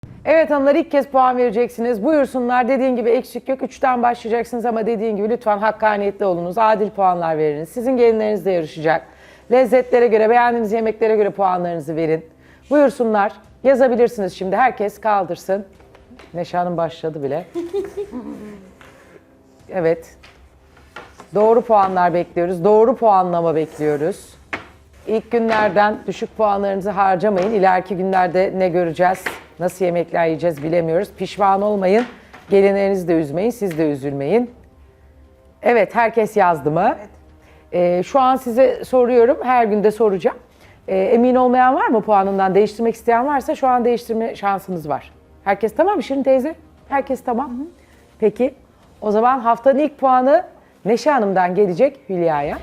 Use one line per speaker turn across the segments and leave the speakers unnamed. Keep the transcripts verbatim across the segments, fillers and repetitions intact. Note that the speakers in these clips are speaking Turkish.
Evet hanımlar, ilk kez puan vereceksiniz. Buyursunlar. Dediğin gibi eksik yok. Üçten başlayacaksınız ama dediğin gibi lütfen hakkaniyetli olunuz. Adil puanlar veriniz. Sizin gelinleriniz de yarışacak. Lezzetlere göre, beğendiğiniz yemeklere göre puanlarınızı verin. Buyursunlar. Yazabilirsiniz şimdi. Herkes kaldırsın. Neşe Hanım başladı bile. Evet. Doğru puanlar bekliyoruz. Doğru puanlama bekliyoruz. İlk günlerden düşük puanlarınızı harcamayın. İleriki günlerde ne göreceğiz, nasıl yemekler yiyeceğiz bilemiyoruz. Pişman olmayın. Gelinlerinizi de üzmeyin, siz de üzülmeyin. Evet, herkes yazdı mı? Evet. Ee, şu an size soruyorum, her gün de soracağım. Ee, emin olmayan var mı puanından? Değiştirmek isteyen varsa şu an değiştirme şansınız var. Herkes tamam mı Şirin teyze? Herkes tamam. Hı hı. Peki, o zaman haftanın ilk puanı Neşe Hanım'dan gelecek Hülya'ya.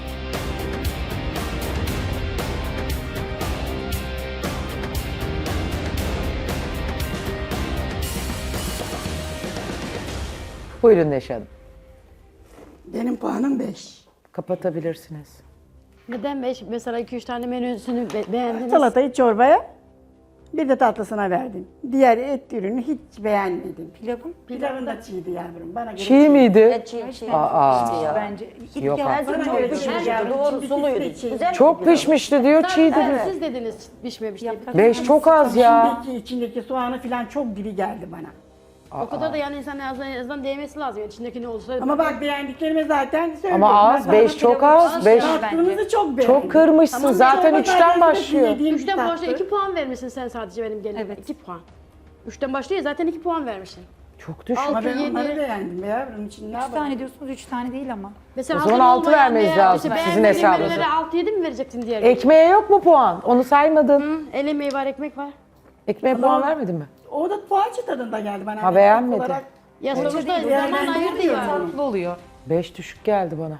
Buyurun Neşe Hanım.
Benim puanım beş.
Kapatabilirsiniz.
Neden beş? Mesela iki üç tane menüsünü be beğendiniz.
Salatayı çorbaya, bir de tatlısına verdim. Diğer et ürünü hiç beğenmedim.
Pilavın?
Pilavın da çiğdi yavrum. Bana göre
Çiğ miydi?
Çiğ çiğ.
Aa,
Bence
Yok
ilk
artık.
Bana
çok
göre
pişmiş.
çiğ yavrum.
Doğru,
Çiğ
suluydu.
bitisi de çiğ.
Güzel.
çok pişmişti diyor, çiğ
Evet,
dedi.
siz dediniz pişmemiş diye.
Beş çok az ya.
İçindeki, içindeki soğanı falan çok diri geldi bana.
O kadar da yani insan en azından, en azından değmesi lazım. Yani içindeki ne olursa.
Ama bak beğendiklerimi zaten söylüyorum.
Ama az,
Ben
beş
sana
çok
pilavı-
az, beş
Tatlınızı çok beğendim.
çok kırmışsın.
Tamam,
Zaten
çorba
üçten
sayesinde
başlıyor.
yediğim
Üçten
tatlı.
başta iki puan vermişsin sen sadece benim gelinim.
Evet.
iki puan. Üçten başlıyor ya zaten iki puan vermişsin.
Çok düşük.
Ama
Altı,
ben onları
yedi.
beğendim be yavrum. için ne
Üç
yapalım?
tane diyorsunuz, üç tane değil ama.
Mesela
O zaman
hazır
altı
olmayan
vermeniz
veya
lazım,
işte
sizin
beğenmediğin
hesabınıza.
menülere altı yedi mi vereceksin diğer gün?
Ekmeğe yok mu puan? Onu saymadın.
Hı, el emeği var, ekmek var.
Ekmeğe puan vermedin mi?
O da poğaça tadında geldi bana.
Ha,
Yani
beğenmedin.
olarak
Ya sonuçta
değil,
zaman
yani
ayırdı
bilmiyorum.
ya.
Tatlı oluyor.
Beş düşük geldi bana.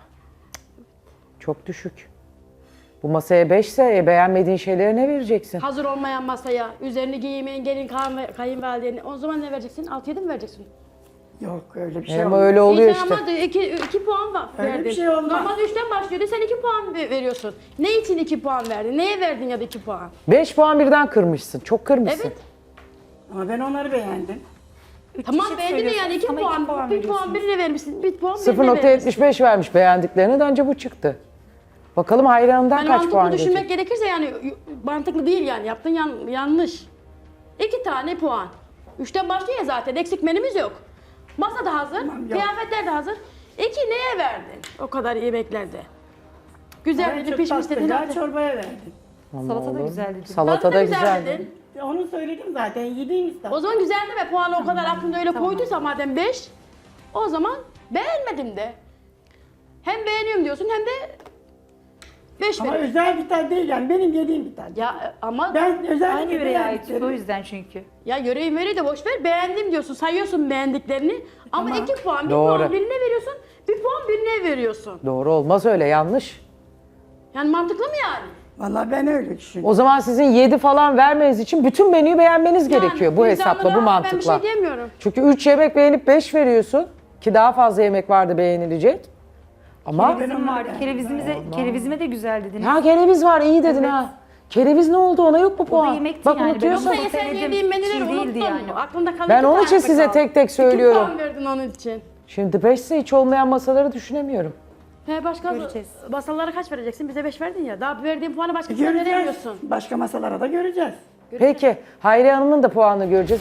Çok düşük. Bu masaya beşse e, beğenmediğin şeylere ne vereceksin?
Hazır olmayan masaya, üzerini giymeyen gelin kayın- kayınvalideni. O zaman ne vereceksin? altı yedi mi vereceksin?
Yok öyle bir şey
Ama
olmaz.
öyle oluyor
İyi,
işte.
Ama iki, iki puan var,
Öyle
verdin.
bir şey olmaz.
Normalde üçten başlıyordu, sen iki puan ve- veriyorsun. Ne için iki puan verdin? Neye verdin ya da iki puan?
Beş puan birden kırmışsın. Çok kırmışsın.
Evet.
Ama ben onları beğendim.
Tamam
çeşit
beğendin de yani iki
söylüyorsunuz ama
puan,
iki puan
bir puan
veriyorsunuz.
birine vermişsin, bir puan
sıfır
birine
nokta
vermişsin.
yetmiş beş vermiş beğendiklerine de anca bu çıktı. Bakalım hayranından
Yani
kaç
mantıklı
puan
düşünmek
gelecek?
gerekirse yani y- mantıklı değil yani yaptığın yan, yanlış. İki tane puan. Üçten başlıyor ya zaten eksik menümüz yok. Masa da hazır,
Tamam, yok.
kıyafetler de hazır. İki neye verdin o kadar yemeklerde? Güzel
Ben
dedi,
çok
pişmiş dedin.
tatlıca
hadi.
çorbaya verdim.
Salata da
Oğlum,
güzel dedi.
Salata
Tatlı
da
güzel
güzel.
dedin.
Onu söyledim zaten yediğimiz tatlı.
O zaman güzel deme puanı o kadar aklımda öyle koyduysa madem beş. O zaman beğenmedim de. Hem beğeniyorum diyorsun hem de beş
Ama
veriyorsun.
özel bir tat değil yani benim yediğim bir tat.
Ya ama
Ben özellikle
Aynı yöreye ait. O
beğendiklerimi-
yüzden çünkü.
ya yöreyi möreyi de boş ver. Beğendim diyorsun, sayıyorsun beğendiklerini. Ama
Tamam.
iki puan, bir
Doğru.
puan birine veriyorsun, bir puan birine veriyorsun.
Doğru olmaz öyle, yanlış.
Yani mantıklı mı yani?
Vallahi ben öyle düşünüyorum.
O zaman sizin yedi falan vermeniz için bütün menüyü beğenmeniz
Yani
gerekiyor bu hesapla, bu
vicdanına
mantıkla.
Ben bir şey diyemiyorum.
Çünkü üç yemek beğenip beş veriyorsun ki daha fazla yemek vardı beğenilecek. Ama
Kerevizim vardı. Kerevizimize, kerevizime de güzel dediniz.
ha kereviz var iyi dedin ha. Kereviz ne oldu, ona yok mu puan?
yemekti
Bak
yani,
unutuyorsun.
ben
Yoksa sen
denedim,
yediğin menüleri
çiğ değildi
unuttun
yani.
mu? Aklında kalan
Ben
iki
onun
tane
için size
kaldı.
tek tek söylüyorum.
İki puan verdin onun için.
Şimdi beşse hiç olmayan masaları düşünemiyorum.
He başka
Göreceğiz.
masalara kaç vereceksin? Bize beş verdin ya. Daha verdiğin puanı başkasına
Göreceğiz.
veremiyorsun.
Başka masalara da göreceğiz.
Peki Hayriye Hanım'ın da puanını göreceğiz.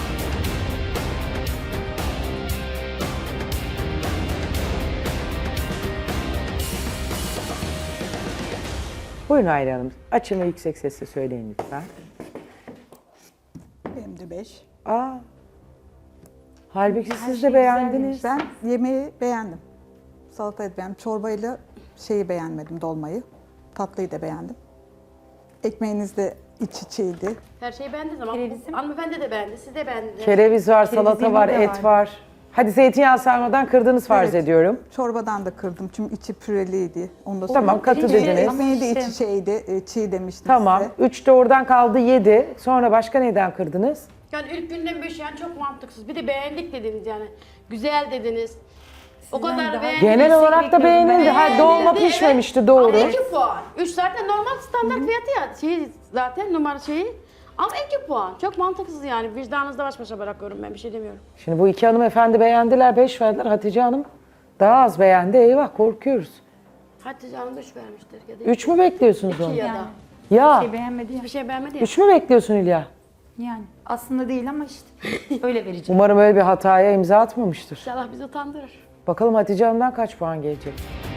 Buyurun Hayriye Hanım. Açın ve yüksek sesle söyleyin lütfen.
Benim de beş.
Aa. Halbuki siz de beğendiniz.
Ben yemeği beğendim. Salatayı da beğendim. Çorbayla şeyi beğenmedim, dolmayı. Tatlıyı da beğendim. Ekmeğiniz de iç içeydi.
Her şeyi beğendiniz ama
Kerevizim.
hanımefendi de beğendi, siz de beğendiniz.
Kereviz var, salata
Kerevizim
var,
de
et
var.
var. Hadi zeytinyağı sarmadan kırdınız farz
Evet.
ediyorum.
Çorbadan da kırdım çünkü içi püreliydi. Onu da
Tamam,
söyledim.
katı
Ekmeği-
dediniz.
Ekmeği de
İşte.
içi şeydi, e, çiğ demiştim
Tamam.
size.
Üç de oradan kaldı yedi. Sonra başka neyden kırdınız?
Yani ilk günden beş yani çok mantıksız. Bir de beğendik dediniz yani. Güzel dediniz. O kadar
daha
beğendiniz.
Genel olarak da
bekliyordum
beğenildi.
ben.
Ha, dolma
Beğenildi,
pişmemişti
evet.
doğru.
Ama iki puan. Üç zaten normal standart fiyatı ya. Şey, zaten numara şeyi. Ama iki puan. Çok mantıksız yani. Vicdanınızda baş başa bırakıyorum ben. Bir şey demiyorum.
Şimdi bu iki hanımefendi beğendiler, beş verdiler. Hatice Hanım daha az beğendi. Eyvah korkuyoruz.
Hatice Hanım üç vermiştir. Ya da
Üç mü bekliyorsunuz
iki
onu?
ya da.
Yani
Ya
şey beğenmedi ya.
Bir şey beğenmedi ya.
üç mü bekliyorsun Hülya?
Yani aslında değil ama işte öyle vereceğim.
Umarım öyle bir hataya imza atmamıştır.
İnşallah bizi utandırır.
Bakalım Hatice Hanım'dan kaç puan gelecek?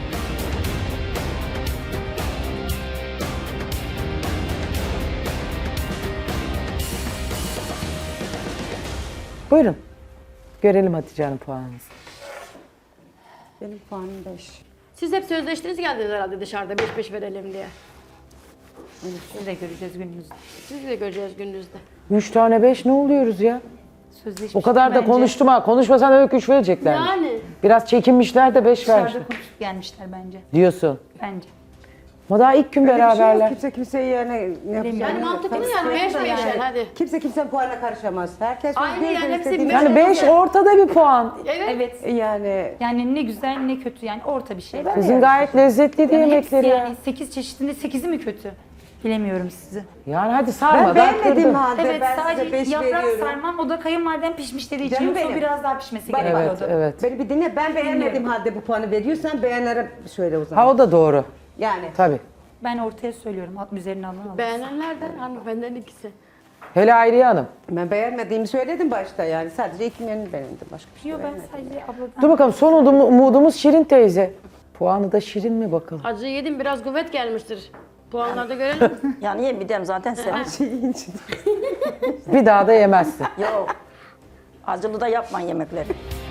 Buyurun. Görelim Hatice Hanım puanınızı.
Benim puanım beş.
Siz hep sözleştiniz geldiniz herhalde dışarıda beş beş verelim diye.
Siz de göreceğiz gününüzde.
Siz de göreceğiz gününüzde.
Üç tane beş ne oluyoruz ya?
Sözleşmiş.
O kadar da
bence.
konuştum ha. Konuşmasan öyle üç verecekler.
Yani.
Biraz çekinmişler de beş
Dışarıda
vermişler.
konuşup gelmişler bence.
Diyorsun.
Bence.
Ama daha ilk gün
Öyle bir şey yok.
beraberler.
Kimse kimseye yani ne yapacağını
Yani
bilmiyor.
mantıklı
Tabii
yani beş
sıkıntı
beşer hadi.
Kimse kimsenin puanına karışamaz. Herkes
Aynı
bir
yani,
bir
hepsi
istediğini-
beş.
Yani beş ortada bir puan.
Evet.
Evet.
Yani
Yani ne güzel ne kötü yani orta bir şey.
Sizin gayet lezzetliydi
Yani hepsi
yemekleri ya.
yani sekiz çeşitinde sekizi mi kötü? Bilemiyorum sizi.
Yani hadi
ben
sarmadan
beğenmediğim
kırdın.
halde
Evet
ben size
sadece
beş
yaprak
veriyorum.
sarmam o da kayınvaliden pişmiş dediği için
Canım
yoksa o
benim.
biraz daha pişmesi
Bak,
gerekiyordu.
Evet, evet.
Beni bir dinle. Ben beğenmediğim halde bu puanı veriyorsan beğenlere söyle o zaman.
Ha o da doğru.
Yani.
Tabii.
Ben ortaya söylüyorum alt üzerine alın alın.
Beğenenler de hanımefendinin ikisi.
Hele Hayriye Hanım.
Ben beğenmediğimi söyledim başta yani. Sadece iki menü beğendim. Başka bir şey
Yok ben
beğenmedim.
sadece abladan.
Dur bakalım son umudum- umudumuz Şirin teyze. Puanı da Şirin mi bakalım?
Acı yedim biraz kuvvet gelmiştir. Puanlarda görelim.
Yani yemeyeceğim zaten sen.
Bir daha da yemezsin.
Yok. Acılı da yapmayın yemekleri.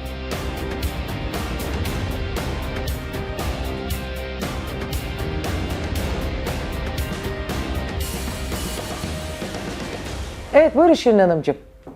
Evet buyurun Şirin Hanımcığım.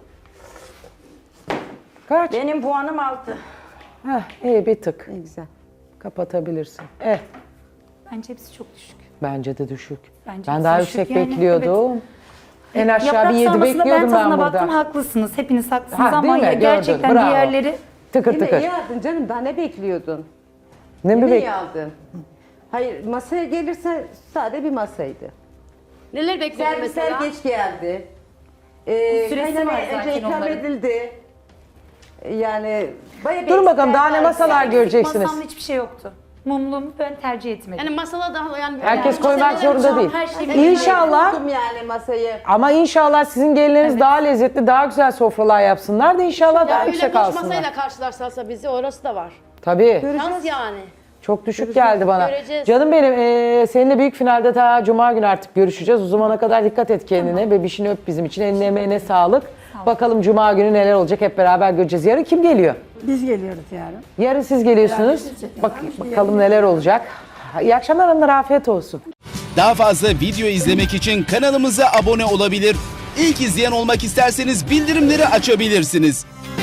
Kaç?
Benim puanım altı.
Heh, iyi bir tık.
Ne güzel.
Kapatabilirsin. Evet.
Bence hepsi çok düşük.
Bence de düşük.
Bence
ben daha
düşük
yüksek
yani,
bekliyordum. En aşağı
Yaprak
bir yedi
sarmasına
bekliyordum
ben
ben,
tadına
burada.
baktım haklısınız. Hepiniz haklısınız
Ha,
ama
değil mi?
ya
Gördün,
gerçekten
bravo.
diğerleri
Tıkır
Yine
tıkır.
iyi aldın canım. Daha ne bekliyordun?
Ne mi
Yine
bek?
iyi aldın. Hayır masaya gelirse sade bir masaydı.
Neler bekliyordun
Servisler
mesela?
geç geldi. Ee,
Süresi
kaynamaya
var zaten
önce ikram
onların.
edildi. Yani bayağı bir
Durun bakalım daha ne
eksikler var.
masalar göreceksiniz.
masamda hiçbir şey yoktu. Mumluğumu ben tercih etmedim.
Yani masala da yani
Herkes
yani
koymak
masalara
zorunda
çok-
değil.
Her şeyi
Evet,
İnşallah.
buldum yani masayı.
Ama inşallah sizin gelinleriniz daha lezzetli, daha güzel sofralar yapsınlar da inşallah
Ya
daha
öyle
yüksek
boş
alsınlar.
masayla karşılarsa bizi orası da var.
Tabii.
Şans yani.
Çok düşük geldi bana.
Göreceğiz.
Canım benim eee, seninle büyük finalde ta Cuma günü artık görüşeceğiz. O zamana kadar dikkat et kendine. Bebişini öp bizim için. Eline emeğine sağlık. Bakalım Cuma günü neler olacak hep beraber göreceğiz. Yarın kim geliyor?
Biz geliyoruz yarın.
Yarın siz geliyorsunuz. Bak, bakalım neler olacak. İyi akşamlar hanımlar, afiyet olsun.
Daha fazla video izlemek için kanalımıza abone olabilir. İlk izleyen olmak isterseniz bildirimleri açabilirsiniz.